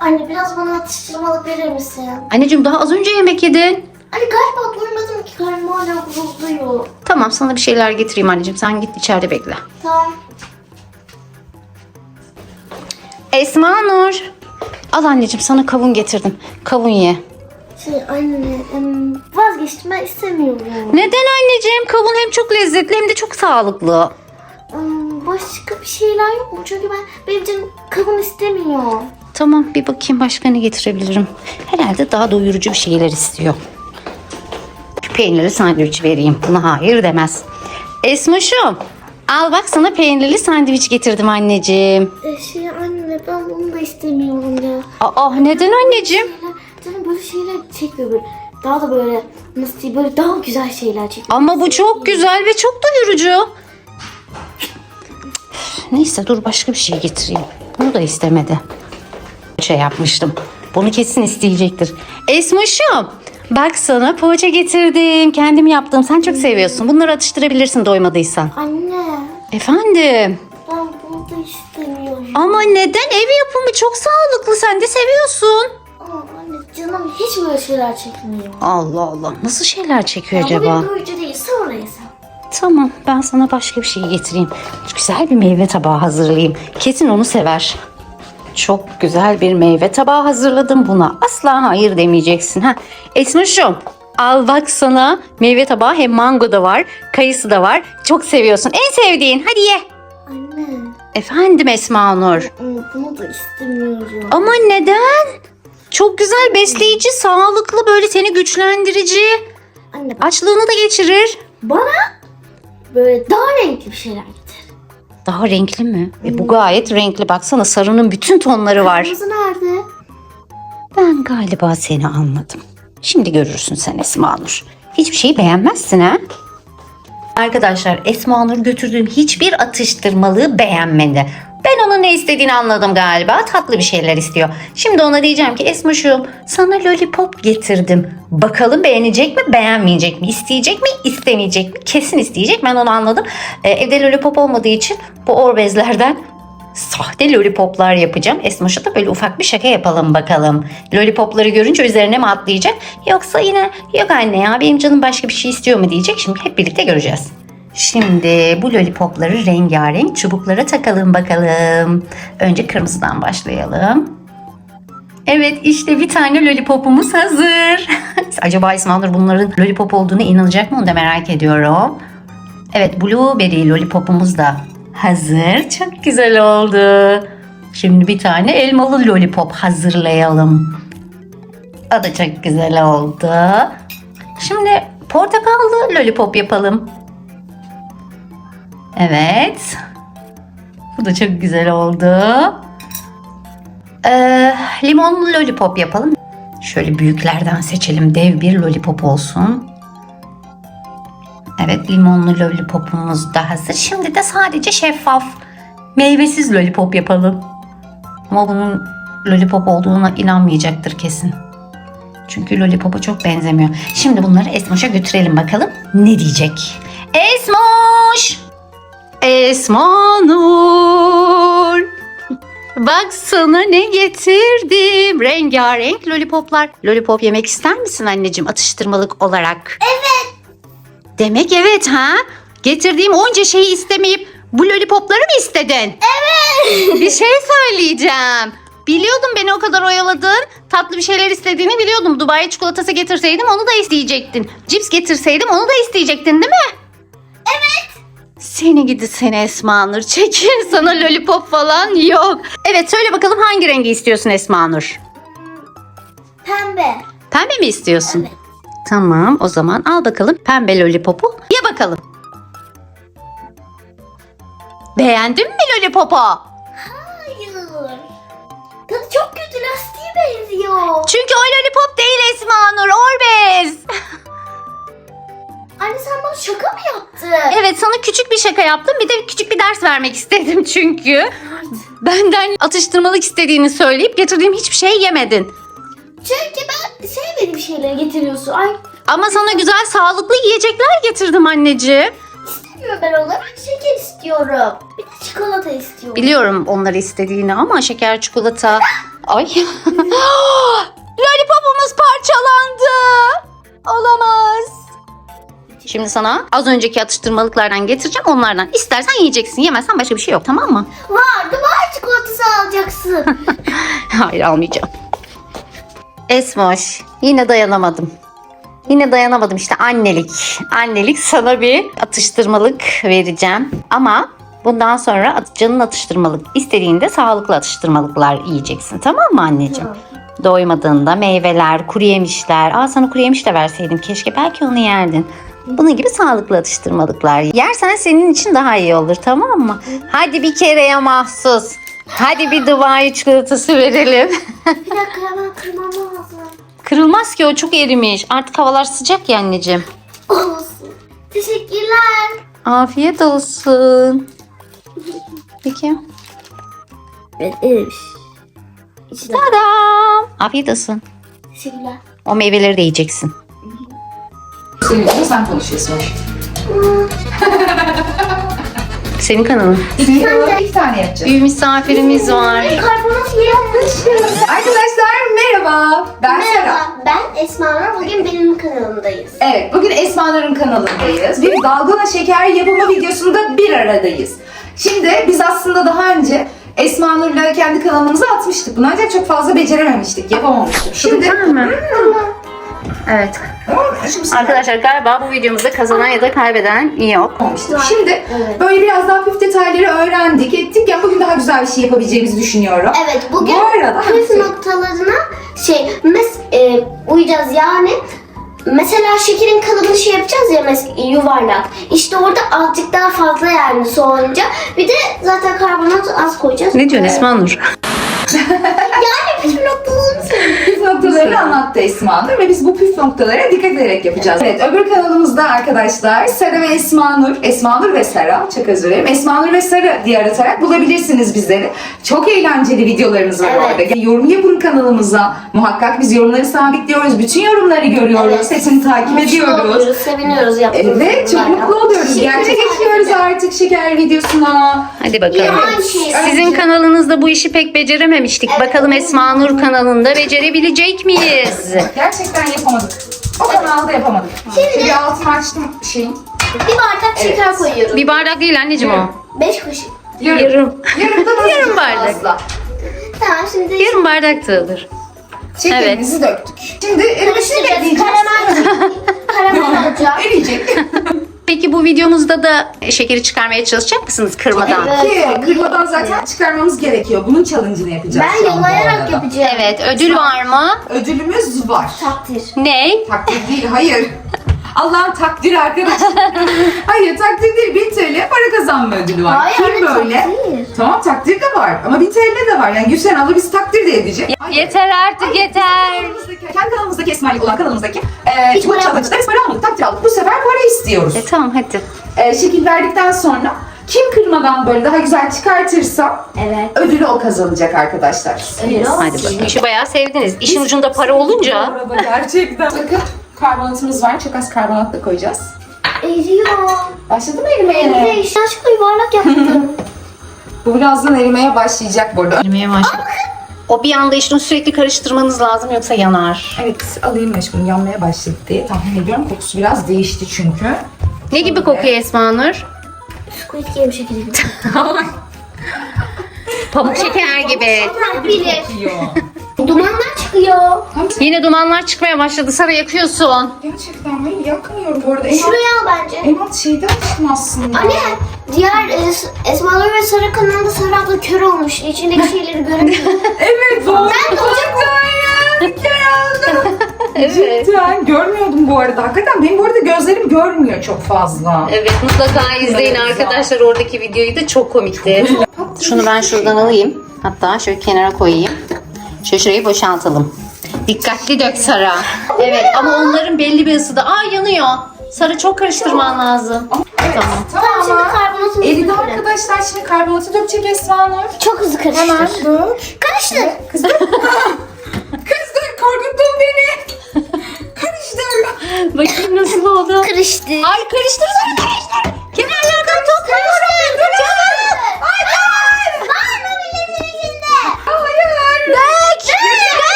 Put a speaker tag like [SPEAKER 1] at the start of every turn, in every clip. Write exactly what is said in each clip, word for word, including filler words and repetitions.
[SPEAKER 1] Anne biraz bana atıştırmalık verir misin?
[SPEAKER 2] Anneciğim daha az önce yemek yedin.
[SPEAKER 1] Anne galiba doymadım ki, karnım hala gurulduyor.
[SPEAKER 2] Tamam, sana bir şeyler getireyim anneciğim. Sen git içeride bekle.
[SPEAKER 1] Tamam.
[SPEAKER 2] Esma Nur. Al anneciğim, sana kavun getirdim. Kavun ye.
[SPEAKER 1] Şey anne em, vazgeçtim, ben istemiyorum.
[SPEAKER 2] Neden anneciğim? Kavun hem çok lezzetli hem de çok sağlıklı.
[SPEAKER 1] Em, Başka bir şeyler yok mu? Çünkü ben benim canım kavun istemiyor.
[SPEAKER 2] Tamam, bir bakayım başka ne getirebilirim. Herhalde daha doyurucu bir şeyler istiyor. Peynirli sandviç vereyim. Buna hayır demez. Esmoşum, al bak, sana peynirli sandviç getirdim anneciğim.
[SPEAKER 1] E, şey anne ben bunu da istemiyorum ya.
[SPEAKER 2] Aa, neden anneciğim?
[SPEAKER 1] Canım böyle şeyler çekiyor böyle. Daha da böyle nasıl diyeyim, böyle daha güzel şeyler çekiyor.
[SPEAKER 2] Ama bu çok güzel ve çok doyurucu. Neyse, dur başka bir şey getireyim. Bunu da istemedi. Şey yapmıştım. Bunu kesin isteyecektir. Esmoşum, bak sana poğaça getirdim. Kendim yaptım. Sen çok seviyorsun. Bunları atıştırabilirsin doymadıysan.
[SPEAKER 1] Anne
[SPEAKER 2] Efendim?
[SPEAKER 1] ben bunu da istemiyorum.
[SPEAKER 2] Ama neden? Ev yapımı çok sağlıklı. Sen de seviyorsun.
[SPEAKER 1] Ama anne canım hiç böyle şeyler çekmiyor.
[SPEAKER 2] Allah Allah. Nasıl şeyler çekiyor
[SPEAKER 1] Ya bu
[SPEAKER 2] acaba?
[SPEAKER 1] benim doyurucu değil, sonra yesem.
[SPEAKER 2] Tamam, ben sana başka bir şey getireyim. Güzel bir meyve tabağı hazırlayayım. Kesin onu sever. Çok güzel bir meyve tabağı hazırladım buna. Asla hayır demeyeceksin. Ha. Esmoş'um, al bak sana meyve tabağı. Hem mango da var, kayısı da var. Çok seviyorsun. En sevdiğin. Hadi ye.
[SPEAKER 1] Anne
[SPEAKER 2] Efendim Esma Nur.
[SPEAKER 1] bunu da istemiyorum.
[SPEAKER 2] Ama neden? Çok güzel, besleyici, sağlıklı, böyle seni güçlendirici.
[SPEAKER 1] Anne bak,
[SPEAKER 2] Açlığını da geçirir.
[SPEAKER 1] bana böyle daha renkli bir şeyler getir.
[SPEAKER 2] Daha renkli mi? E, bu gayet renkli. Baksana, sarının bütün tonları var.
[SPEAKER 1] Kırmızı nerede?
[SPEAKER 2] Ben galiba seni anladım. Şimdi görürsün sen Esma Nur. Hiçbir şeyi beğenmezsin ha? Arkadaşlar, Esma Nur götürdüğüm hiçbir atıştırmalığı beğenmedi. Ben onun ne istediğini anladım galiba. Tatlı bir şeyler istiyor. Şimdi ona diyeceğim ki Esmoş'um, sana lollipop getirdim. Bakalım beğenecek mi, beğenmeyecek mi? İsteyecek mi, istemeyecek mi? Kesin isteyecek. Ben onu anladım. Ee, evde lollipop olmadığı için bu Orbez'lerden sahte lollipoplar yapacağım. Esmoş'a da böyle ufak bir şaka yapalım bakalım. Lollipopları görünce üzerine mi atlayacak? Yoksa yine yok anne ya benim canım başka bir şey istiyor mu diyecek. Şimdi hep birlikte göreceğiz. Şimdi bu lollipopları rengarenk çubuklara takalım bakalım. Önce kırmızıdan başlayalım. Evet, işte bir tane lollipopumuz hazır. Acaba Esma Nur bunların lollipop olduğunu inanacak mı, onu da merak ediyorum. Evet, blueberry lollipopumuz da hazır. Çok güzel oldu. Şimdi bir tane elmalı lollipop hazırlayalım. O da çok güzel oldu. Şimdi portakallı lollipop yapalım. Evet. Bu da çok güzel oldu. Ee, limonlu lollipop yapalım. Şöyle büyüklerden seçelim. Dev bir lollipop olsun. Evet, limonlu lollipopumuz da hazır. Şimdi de sadece şeffaf, meyvesiz lollipop yapalım. Ama bunun lollipop olduğuna inanmayacaktır kesin. Çünkü lollipopa çok benzemiyor. Şimdi bunları Esmoş'a götürelim bakalım ne diyecek. Esmoş! Esma Nur! Bak sana ne getirdim. Rengarenk lollipoplar. Lollipop yemek ister misin anneciğim atıştırmalık olarak?
[SPEAKER 1] Evet.
[SPEAKER 2] Demek evet ha? Getirdiğim onca şeyi istemeyip bu lollipopları mı istedin?
[SPEAKER 1] Evet.
[SPEAKER 2] Bir şey söyleyeceğim. Biliyordum beni o kadar oyaladın. Tatlı bir şeyler istediğini biliyordum. Dubai çikolatası getirseydim onu da isteyecektin. Cips getirseydim onu da isteyecektin değil mi?
[SPEAKER 1] Evet.
[SPEAKER 2] Seni gidi seni Esma Nur. Çekil, sana lollipop falan yok. Evet, söyle bakalım hangi rengi istiyorsun Esma Nur?
[SPEAKER 1] Pembe.
[SPEAKER 2] Pembe mi istiyorsun?
[SPEAKER 1] Evet.
[SPEAKER 2] Tamam, o zaman al bakalım pembe lollipopu. Ye bakalım. Beğendin mi lollipopu?
[SPEAKER 1] Hayır. Tadı çok kötü, lastiğe benziyor.
[SPEAKER 2] Çünkü o lollipop değil Esma Nur, Orbez.
[SPEAKER 1] Anne sen bana şaka mı yaptın?
[SPEAKER 2] Evet, sana küçük bir şaka yaptım. Bir de küçük bir ders vermek istedim çünkü. Benden atıştırmalık istediğini söyleyip getirdiğim hiçbir şey yemedin.
[SPEAKER 1] Çünkü ben sevmediğim şeyleri getiriyorsun. Ay
[SPEAKER 2] Ama sana güzel sağlıklı yiyecekler getirdim anneciğim.
[SPEAKER 1] istiyorum ben onları. Şeker istiyorum. Bir de çikolata istiyorum.
[SPEAKER 2] Biliyorum onları istediğini ama şeker, çikolata... Ay. Lollipopumuz parçalandı. Olamaz. Şimdi sana az önceki atıştırmalıklardan getireceğim. Onlardan istersen yiyeceksin. Yemezsen başka bir şey yok, tamam mı?
[SPEAKER 1] Var, Dubai çikolatası alacaksın.
[SPEAKER 2] Hayır, almayacağım. Esmoş, yine dayanamadım. Yine dayanamadım işte, annelik. Annelik, sana bir atıştırmalık vereceğim. Ama bundan sonra at- canın atıştırmalık istediğinde sağlıklı atıştırmalıklar yiyeceksin, tamam mı anneciğim?
[SPEAKER 1] Tamam.
[SPEAKER 2] Doymadığında meyveler, kuru yemişler. Aa, sana kuru yemiş de verseydim keşke, belki onu yerdin. Bunun gibi sağlıklı atıştırmalıklar yersen senin için daha iyi olur, tamam mı? Hadi bir kereye mahsus. Hadi bir Dubai çikolatası verelim.
[SPEAKER 1] Bir dakika hemen kırmam lazım.
[SPEAKER 2] Kırılmaz ki, o çok erimiş. Artık havalar sıcak ya anneciğim.
[SPEAKER 1] Olsun. Teşekkürler.
[SPEAKER 2] Afiyet olsun. Peki.
[SPEAKER 1] Evet, erimiş. İçine.
[SPEAKER 2] Tadam. Afiyet olsun.
[SPEAKER 1] Teşekkürler.
[SPEAKER 2] O meyveleri de yiyeceksin.
[SPEAKER 3] Senin için sen konuşuyorsun.
[SPEAKER 2] Senin kanalın.
[SPEAKER 3] İki tane, iki tane yapacağız.
[SPEAKER 2] Bir misafirimiz var.
[SPEAKER 1] Karbonat yapmışım.
[SPEAKER 3] Arkadaşlar merhaba. Ben Sera.
[SPEAKER 1] Merhaba, ben Esma Nur. Bugün benim kanalımdayız.
[SPEAKER 3] Evet, bugün Esma Nur'un kanalındayız. Bir dalgona şeker yapımı videosunda bir aradayız. Şimdi biz aslında daha önce Esma Nur'la kendi kanalımıza atmıştık bunu, ancak çok fazla becerememiştik, yapamamıştık. Şimdi
[SPEAKER 2] Evet. Arkadaşlar galiba bu videomuzda kazanan ya da kaybeden yok.
[SPEAKER 3] yapamamıştık. Şimdi
[SPEAKER 1] Evet.
[SPEAKER 3] böyle biraz daha püf detayları öğrendik, ettik. Ya bugün daha güzel bir şey yapabileceğimizi düşünüyorum.
[SPEAKER 1] Evet, bugün
[SPEAKER 3] Bu arada
[SPEAKER 1] püf noktalarına şey mes e, uyacağız yani. Mesela şekerin kalıbını şey yapacağız ya, mes- yuvarlak. İşte orada azıcık daha fazla yani soğuyunca. Bir de zaten karbonat az koyacağız.
[SPEAKER 2] Ne diyorsun Esma Nur?
[SPEAKER 1] Yani püf noktalarını söyleyeyim.
[SPEAKER 3] Püf noktalarını anlattı Esma Nur ve biz bu püf noktalara dikkat ederek yapacağız. Evet, öbür kanalımızda arkadaşlar Sera ve Esma Nur, Esma Nur ve Sera, çok özür dilerim. Esma Nur ve Sera diye aratarak bulabilirsiniz bizleri. Çok eğlenceli videolarımız var
[SPEAKER 1] Evet.
[SPEAKER 3] orada. Yani yorum yapın kanalımıza. Muhakkak biz yorumları sabitliyoruz. Bütün yorumları görüyoruz.
[SPEAKER 1] Evet.
[SPEAKER 3] Hepsini takip
[SPEAKER 1] Mutlu
[SPEAKER 3] ediyoruz.
[SPEAKER 1] oluyoruz, seviniyoruz yaptığımız
[SPEAKER 3] Evet, çok
[SPEAKER 1] yorumlarla.
[SPEAKER 3] mutlu oluyoruz.
[SPEAKER 1] Teşekkür
[SPEAKER 3] Gerçek
[SPEAKER 1] ederim.
[SPEAKER 3] geçiyoruz artık şeker videosuna.
[SPEAKER 2] Hadi bakalım.
[SPEAKER 1] Yine aynı şeyi
[SPEAKER 2] Sizin kanalınızda bu işi pek becerememiştik. Bakalım Esma Nur kanalında becerebilecek miyiz?
[SPEAKER 3] Gerçekten yapamadık. O kanalda yapamadık. Şimdi bir altını açtım şeyin.
[SPEAKER 1] Bir bardak şeker koyuyoruz.
[SPEAKER 2] Bir bardak değil anneciğim o.
[SPEAKER 1] Beş kaşık.
[SPEAKER 3] Yarım.
[SPEAKER 2] Yarım.
[SPEAKER 3] Yarımdan az
[SPEAKER 2] Yarım
[SPEAKER 3] çok
[SPEAKER 2] bardak.
[SPEAKER 3] fazla.
[SPEAKER 1] Tamam, şimdi
[SPEAKER 2] Yarım bardak da olur.
[SPEAKER 3] Şekerimizi döktük. Şimdi erimesini
[SPEAKER 1] karıştıracağız.
[SPEAKER 3] bekleyeceğiz.
[SPEAKER 1] Karamel, karamel alacağım.
[SPEAKER 3] Eriyecek.
[SPEAKER 2] Peki bu videomuzda da şekeri çıkarmaya çalışacak mısınız kırmadan?
[SPEAKER 1] Evet.
[SPEAKER 3] Ki kırmadan zaten çıkarmamız gerekiyor. Bunun challenge'ını yapacağız
[SPEAKER 1] Ben
[SPEAKER 3] şu an bu
[SPEAKER 1] yolayarak
[SPEAKER 3] arada.
[SPEAKER 1] yapacağım.
[SPEAKER 2] Evet, ödül var mı?
[SPEAKER 3] Ödülümüz var.
[SPEAKER 1] Takdir.
[SPEAKER 2] Ne?
[SPEAKER 3] Takdir değil, hayır. Allah'ın takdiri arkadaşlar. Hayır, takdir değil. bin T L para kazanma ödülü var.
[SPEAKER 1] Hayır,
[SPEAKER 3] Kim
[SPEAKER 1] anne,
[SPEAKER 3] böyle?
[SPEAKER 1] takdir.
[SPEAKER 3] Tamam, takdir de var. Ama bin T L de var. Yani Gülşen abla bizi takdir de edecek. Hayır.
[SPEAKER 2] Yeter artık yeter.
[SPEAKER 3] Kanalımızdaki- Kendi kanalımızdaki Esma'yı olan kanalımızdaki e,
[SPEAKER 1] Hiç
[SPEAKER 3] bu
[SPEAKER 1] para
[SPEAKER 3] challenge'da biz para almadık, takdir aldık. Bu sefer para istiyoruz.
[SPEAKER 2] E tamam hadi.
[SPEAKER 3] E, şekil verdikten sonra kim kırmadan böyle daha güzel çıkartırsa
[SPEAKER 1] Evet.
[SPEAKER 3] ödülü o kazanacak arkadaşlar.
[SPEAKER 1] Öyle olsun.
[SPEAKER 2] Hadi bakalım. İşi bayağı sevdiniz. İşin ucunda para olunca.
[SPEAKER 3] Arada gerçekten. Bakın karbonatımız var. Çok az karbonat da koyacağız.
[SPEAKER 1] Eriyor.
[SPEAKER 3] Başladı mı erimeye?
[SPEAKER 1] Evet. Yanlışlıkla yuvarlak yaptım.
[SPEAKER 3] Bu birazdan erimeye başlayacak bu arada.
[SPEAKER 2] Erimeye başladı. O bir anda işte sürekli karıştırmanız lazım yoksa yanar.
[SPEAKER 3] Evet, alayım meşgul. Yanmaya başladı diye tahmin ediyorum. Kokusu biraz değişti çünkü.
[SPEAKER 2] Ne gibi kokuyor Esma Nur?
[SPEAKER 1] Squid Game şekeri gibi.
[SPEAKER 2] Pamuk şeker gibi.
[SPEAKER 1] Bilir.
[SPEAKER 3] Kokuyor.
[SPEAKER 1] Dumanlar çıkıyor.
[SPEAKER 2] Yine dumanlar çıkmaya başladı. Sara yakıyorsun.
[SPEAKER 3] Gerçekten ben yakmıyorum bu arada. En alt,
[SPEAKER 1] Şuraya al bence.
[SPEAKER 3] en alt şeyden açtım aslında.
[SPEAKER 1] Anne, diğer e, Esma Nur ve Sara kanalında Sara abla kör olmuş. İçindeki şeyleri göremiyor.
[SPEAKER 3] Evet, doğru.
[SPEAKER 1] Ben de olacak
[SPEAKER 2] Evet.
[SPEAKER 3] Cidden görmüyordum bu arada. Hakikaten benim bu arada gözlerim görmüyor çok fazla.
[SPEAKER 2] Evet, mutlaka izleyin
[SPEAKER 3] Evet,
[SPEAKER 2] arkadaşlar oradaki videoyu da çok komikti. Şunu ben şuradan alayım. Hatta şöyle kenara koyayım. Şöyle şurayı boşaltalım. Dikkatli dök Sara. Evet ama onların belli bir ısıda. Aa, yanıyor. Sara çok karıştırman lazım.
[SPEAKER 3] Evet,
[SPEAKER 2] Tamam.
[SPEAKER 3] tamam.
[SPEAKER 1] Tamam, şimdi karbonatını
[SPEAKER 3] Eridi
[SPEAKER 1] dökelim.
[SPEAKER 3] arkadaşlar. Şimdi karbonatı dökecek Esma Nur.
[SPEAKER 1] Çok hızlı
[SPEAKER 3] Hemen
[SPEAKER 1] karıştır.
[SPEAKER 3] dök.
[SPEAKER 1] Karıştır.
[SPEAKER 3] Kız dur. Kız dur, korkuttun beni. Karıştır.
[SPEAKER 2] Bakayım nasıl oldu.
[SPEAKER 1] Karıştır.
[SPEAKER 2] Ay karıştır Sara, karıştır. Kenarlar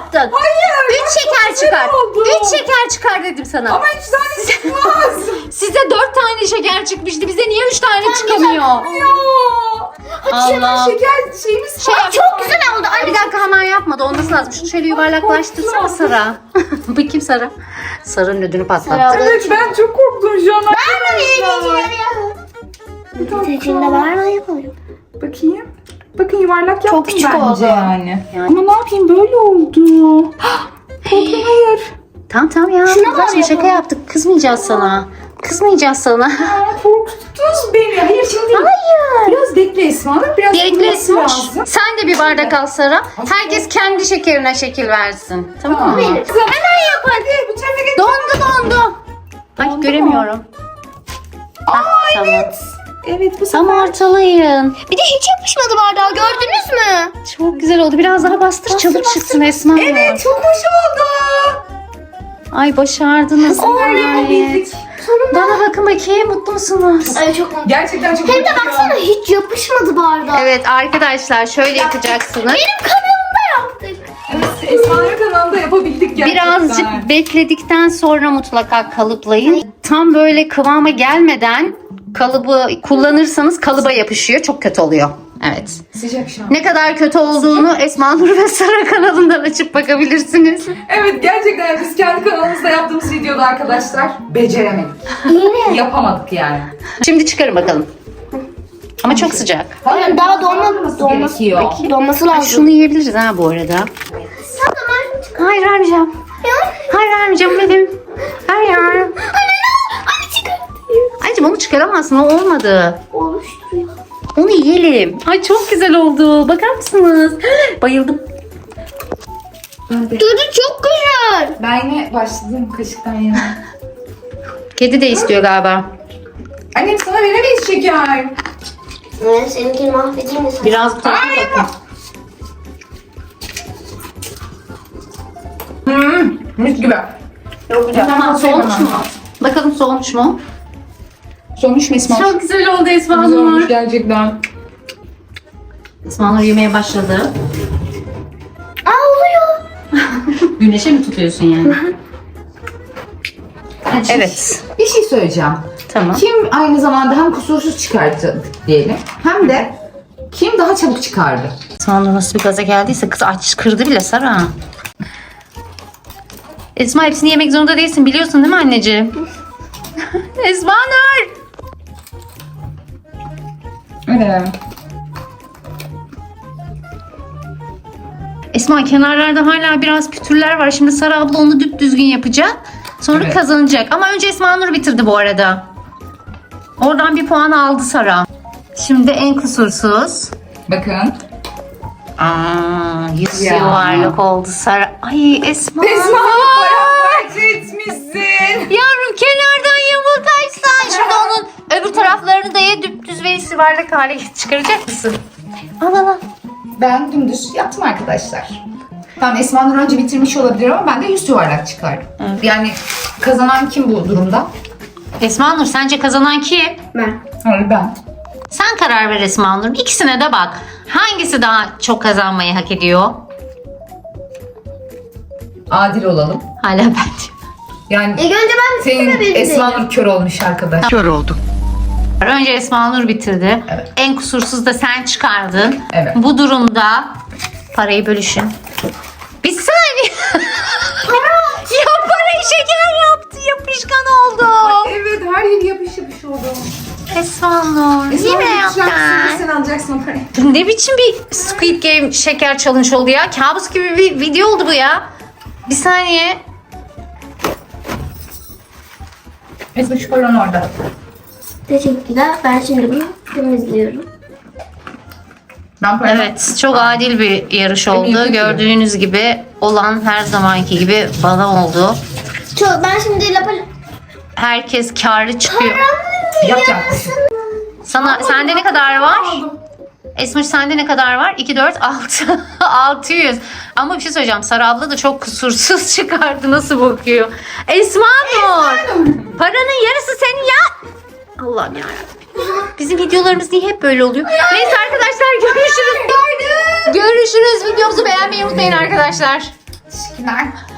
[SPEAKER 2] yaptın.
[SPEAKER 3] Hayır.
[SPEAKER 2] Üç şeker çıkar.
[SPEAKER 3] oldu.
[SPEAKER 2] Üç şeker çıkar dedim sana.
[SPEAKER 3] Ama üç tane çıkmaz.
[SPEAKER 2] Size dört tane şeker çıkmıştı. Bize niye üç tane çıkamıyor?
[SPEAKER 3] Ya. Hadi hemen
[SPEAKER 2] Allah.
[SPEAKER 3] şeker şeyimiz
[SPEAKER 2] Şey
[SPEAKER 3] var.
[SPEAKER 2] yap-
[SPEAKER 1] Çok güzel oldu.
[SPEAKER 2] Ay, bir dakika hemen yapma da olması lazım. Şunu şöyle yuvarlaklaştırsana Sara. Bakayım Sara. Sara'nın ödünü patlattı.
[SPEAKER 1] Sara.
[SPEAKER 3] Evet ben çok korktum şu an.
[SPEAKER 1] İçinde var mı yapalım?
[SPEAKER 3] Bakayım. Bakın yuvarlak yaptım
[SPEAKER 1] küçük
[SPEAKER 3] bence
[SPEAKER 1] oldu.
[SPEAKER 3] yani.
[SPEAKER 2] Yani.
[SPEAKER 3] Ama ne yapayım böyle oldu. Korktum hayır.
[SPEAKER 2] Tamam tamam ya.
[SPEAKER 1] Şuna
[SPEAKER 2] Kızlar,
[SPEAKER 1] bak
[SPEAKER 2] şimdi şaka
[SPEAKER 1] yapalım.
[SPEAKER 2] yaptık. Kızmayacağız sana. Kızmayacağız sana.
[SPEAKER 3] Aa, korkuttunuz beni. Hayır şimdi.
[SPEAKER 2] Hayır.
[SPEAKER 3] Biraz bekle Esma Hanım. Biraz
[SPEAKER 2] Bekle
[SPEAKER 3] kuruması
[SPEAKER 2] Esmoş.
[SPEAKER 3] lazım.
[SPEAKER 2] Sen de bir bardak al Sara. Herkes kendi şekerine şekil versin. Tamam mı?
[SPEAKER 3] Benim. Kızım hemen yap hadi. Bu tarafa geç.
[SPEAKER 2] Dondu dondu. Ay
[SPEAKER 3] Dondu mu?
[SPEAKER 2] göremiyorum.
[SPEAKER 3] Aa
[SPEAKER 2] tamam.
[SPEAKER 3] evet. Evet bu sefer.
[SPEAKER 2] Tam ortalayın.
[SPEAKER 1] Bir de hiç yapışmadı bardağa, gördünüz mü?
[SPEAKER 2] Çok güzel oldu. Biraz daha bastır, çabuk çıksın Esma.
[SPEAKER 3] Evet çok hoş oldu.
[SPEAKER 2] Ay başardınız.
[SPEAKER 3] Oley
[SPEAKER 2] Ay.
[SPEAKER 3] bildik.
[SPEAKER 2] Bana bakın bakayım, mutlu musunuz?
[SPEAKER 1] Ay çok mutlu.
[SPEAKER 3] Gerçekten çok
[SPEAKER 1] Hem de
[SPEAKER 3] mutluyum.
[SPEAKER 1] baksana hiç yapışmadı bardağa.
[SPEAKER 2] Evet arkadaşlar şöyle yapacaksınız.
[SPEAKER 1] Benim kanalımda yaptık.
[SPEAKER 3] Evet, Esma'nın kanalında yapabildik gerçekten.
[SPEAKER 2] Birazcık bekledikten sonra mutlaka kalıplayın. Tam böyle kıvama gelmeden kalıbı kullanırsanız kalıba yapışıyor. Çok kötü oluyor. Evet.
[SPEAKER 3] Sıcak şu an.
[SPEAKER 2] Ne kadar kötü olduğunu Esma Nur ve Sara kanalından açıp bakabilirsiniz.
[SPEAKER 3] Evet gerçekten biz kendi kanalımızda yaptığımız videoda arkadaşlar beceremedik.
[SPEAKER 1] Yine.
[SPEAKER 3] Yapamadık yani.
[SPEAKER 2] Şimdi çıkarın bakalım. Ama çok sıcak.
[SPEAKER 1] Hayır, daha donma, donması,
[SPEAKER 3] gerekiyor.
[SPEAKER 1] donması
[SPEAKER 2] Ay,
[SPEAKER 1] lazım.
[SPEAKER 2] şunu yiyebiliriz ha bu arada.
[SPEAKER 1] Sen de ben çıkar.
[SPEAKER 2] Hayır vermeyeceğim. Hayır vermeyeceğim benim. Hayır.
[SPEAKER 1] Anne Anne çıkar.
[SPEAKER 2] Anneciğim onu çıkaramazsın, o olmadı.
[SPEAKER 1] Oluşturuyor.
[SPEAKER 2] Onu yiyelim. Ay çok güzel oldu. Bakar mısınız? Bayıldım.
[SPEAKER 3] Ben, de.
[SPEAKER 1] Tadı çok güzel.
[SPEAKER 3] ben yine başladım kaşıktan yine.
[SPEAKER 2] Kedi de istiyor galiba.
[SPEAKER 3] Annem sana veremeyiz şeker.
[SPEAKER 1] Evet, seninkini mahvedeyim mi sen?
[SPEAKER 2] Biraz bu tarafa
[SPEAKER 3] Ay,
[SPEAKER 2] bakın.
[SPEAKER 3] Hmm, mis gibi. Çok güzel.
[SPEAKER 2] Tamam soğumuş mu? Bakalım soğumuş mu?
[SPEAKER 3] Sonuç mu Esma?
[SPEAKER 2] Çok güzel oldu Esma
[SPEAKER 3] Güzel olmuş
[SPEAKER 2] Nur.
[SPEAKER 3] gerçekten.
[SPEAKER 2] Esma Nur yemeye başladı.
[SPEAKER 1] Aa oluyor.
[SPEAKER 2] Güneşe mi tutuyorsun yani? Evet.
[SPEAKER 3] Bir şey söyleyeceğim.
[SPEAKER 2] Tamam.
[SPEAKER 3] Kim aynı zamanda hem kusursuz çıkarttı diyelim hem de kim daha çabuk çıkardı?
[SPEAKER 2] Esma Nur nasıl bir gaza geldiyse kız aç kırdı bile Sara. Esma hepsini yemek zorunda değilsin biliyorsun değil mi anneciğim? Esma Nur.
[SPEAKER 3] Evet.
[SPEAKER 2] Esma kenarlarda hala biraz pütürler var. Şimdi Sara abla onu düzgün yapacak. Sonra
[SPEAKER 3] Evet.
[SPEAKER 2] kazanacak. Ama önce Esma Nur bitirdi bu arada. Oradan bir puan aldı Sara. Şimdi en kusursuz.
[SPEAKER 3] Bakın.
[SPEAKER 2] Aa, yüz
[SPEAKER 3] Ya.
[SPEAKER 2] yuvarlak oldu Sara. Ay Esma.
[SPEAKER 3] Esma paramparça etmişsin.
[SPEAKER 2] Yavrum kenardan yamuk açsan. Şimdi onun öbür taraflarını da ye düz ve yuvarlak hale çıkaracak mısın? Al al al.
[SPEAKER 3] Ben dümdüz yaptım arkadaşlar. Tamam Esma Nur önce bitirmiş olabilir ama ben de yüz yuvarlak çıkardım.
[SPEAKER 2] Evet.
[SPEAKER 3] Yani kazanan kim bu durumda?
[SPEAKER 2] Esma Nur sence kazanan kim?
[SPEAKER 1] Ben.
[SPEAKER 3] Hayır ben.
[SPEAKER 2] Sen karar ver Esma Nur. İkisine de bak. Hangisi daha çok kazanmayı hak ediyor?
[SPEAKER 3] Adil olalım.
[SPEAKER 2] Hala ben.
[SPEAKER 3] Yani
[SPEAKER 1] İlk önce ben
[SPEAKER 3] senin
[SPEAKER 1] bitirdim.
[SPEAKER 3] Esma Nur kör olmuş arkadaş.
[SPEAKER 2] Önce Esma Nur bitirdi.
[SPEAKER 3] Evet.
[SPEAKER 2] En kusursuz da sen çıkardın.
[SPEAKER 3] Evet.
[SPEAKER 2] Bu durumda parayı bölüşün. Bir saniye. Ya parayı şeker yaptı. Yapışkan oldu.
[SPEAKER 3] Evet her yeri yapış yapış oldu.
[SPEAKER 2] Esma Nur.
[SPEAKER 3] Esma
[SPEAKER 2] Yine
[SPEAKER 3] Nur
[SPEAKER 2] yaptın.
[SPEAKER 3] sen alacaksın o parayı.
[SPEAKER 2] Ne biçim bir Squid Game şeker challenge oldu ya? Kabus gibi bir video oldu bu ya. Bir saniye.
[SPEAKER 3] Esma şu paran orada.
[SPEAKER 1] Teşekkürler. Ben şimdi bunu temizliyorum.
[SPEAKER 3] Ben paranı
[SPEAKER 2] Evet, çok adil bir yarış oldu.
[SPEAKER 3] yapıyorum.
[SPEAKER 2] Gördüğünüz gibi olan her zamanki gibi bana oldu.
[SPEAKER 1] Çok, ben şimdi lapa...
[SPEAKER 2] Herkes karlı çıkıyor.
[SPEAKER 3] yapacağım.
[SPEAKER 2] Sana sende ne kadar var? Esmiş sende ne kadar var? iki, dört, altı. altı yüz. Ama bir şey söyleyeceğim. Sara abla da çok kusursuz çıkardı. Nasıl bakıyor? Esma Nur. Paranın yarısı senin ya. Allah'ım yarabbim. Bizim videolarımız niye hep böyle oluyor? Neyse arkadaşlar görüşürüz. Görüşürüz. Videomuzu beğenmeyi unutmayın arkadaşlar.
[SPEAKER 3] Teşekkürler.